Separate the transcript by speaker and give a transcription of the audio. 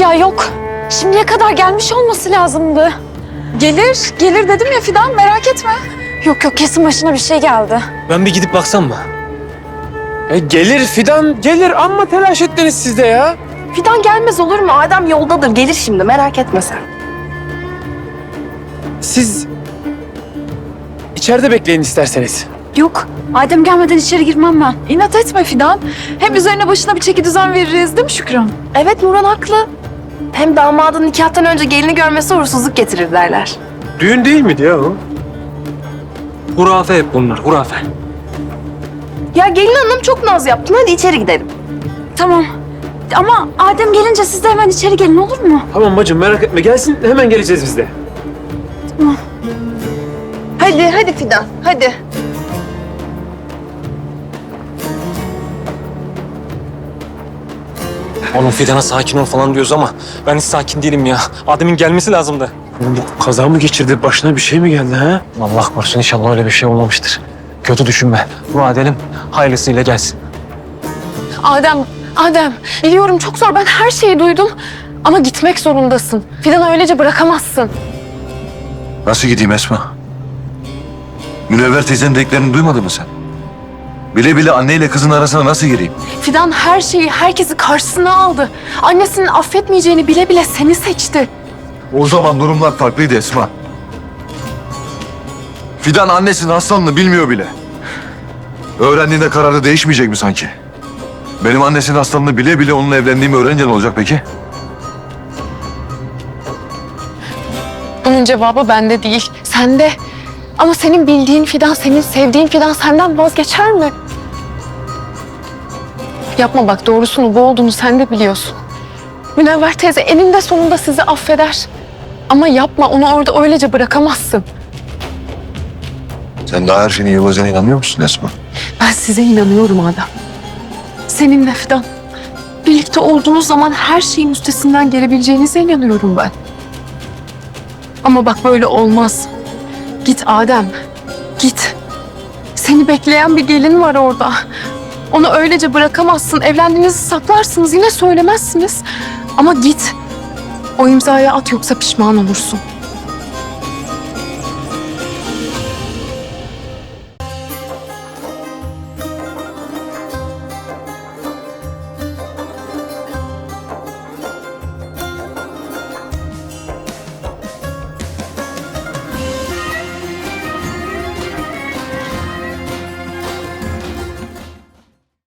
Speaker 1: Ya yok. Şimdiye kadar gelmiş olması lazımdı.
Speaker 2: Gelir dedim ya Fidan, merak etme.
Speaker 1: Yok kesin başına bir şey geldi.
Speaker 3: Ben bir gidip baksam mı? Gelir Fidan, gelir. Amma telaş ettiniz siz de ya.
Speaker 2: Fidan gelmez olur mu? Adem yoldadır, gelir şimdi, merak etme sen.
Speaker 3: Siz içeride bekleyin isterseniz.
Speaker 1: Yok. Adem gelmeden içeri girmem ben.
Speaker 2: İnat etme Fidan. Hem üzerine başına bir çeki düzen veririz değil mi Şükran? Evet, Nurhan haklı. Hem damadın nikahtan önce gelini görmesi uğursuzluk getirir derler.
Speaker 3: Düğün değil miydi ya o? Hurafe hep bunlar, hurafe.
Speaker 2: Ya gelin hanım çok naz yaptın, hadi içeri gidelim.
Speaker 1: Tamam. Ama Adem gelince siz de hemen içeri gelin, olur mu?
Speaker 3: Tamam bacım, merak etme. Gelsin, hemen geleceğiz biz de.
Speaker 2: Hadi Fidan, hadi.
Speaker 4: Oğlum Fidan'a sakin ol falan diyoruz ama ben hiç sakin değilim ya. Adem'in gelmesi lazımdı.
Speaker 3: Oğlum bu kaza mı geçirdi? Başına bir şey mi geldi ha?
Speaker 4: Allah korusun, inşallah öyle bir şey olmamıştır. Kötü düşünme. Dua edelim, hayırlısıyla gelsin.
Speaker 5: Adem, biliyorum çok zor. Ben her şeyi duydum. Ama gitmek zorundasın. Fidan'ı öylece bırakamazsın.
Speaker 6: Nasıl gideyim Esma? Münevver teyzenin dediklerini duymadın mı sen? Bile bile anneyle kızın arasına nasıl gireyim?
Speaker 5: Fidan her şeyi, herkesi karşısına aldı. Annesinin affetmeyeceğini bile bile seni seçti.
Speaker 6: O zaman durumlar farklıydı Esma. Fidan annesinin hastalığını bilmiyor bile. Öğrendiğinde kararı değişmeyecek mi sanki? Benim annesinin hastalığını bile bile onunla evlendiğimi öğrenince ne olacak peki?
Speaker 5: Bunun cevabı bende değil, sende. Ama senin bildiğin Fidan, senin sevdiğin Fidan senden vazgeçer mi? Yapma bak, doğrusunu bu olduğunu sen de biliyorsun. Münevver teyze eninde sonunda sizi affeder. Ama yapma, onu orada öylece bırakamazsın.
Speaker 6: Sen daha her şeyin iyi olacağına inanmıyor musun Esma?
Speaker 5: Ben size inanıyorum Adem. Seninle Fidan. Birlikte olduğunuz zaman her şeyin üstesinden gelebileceğinize inanıyorum ben. Ama bak böyle olmaz. Git Adem, git. Seni bekleyen bir gelin var orada. Onu öylece bırakamazsın. Evlendiğinizi saklarsınız, yine söylemezsiniz. Ama git. O imzayı at, yoksa pişman olursun.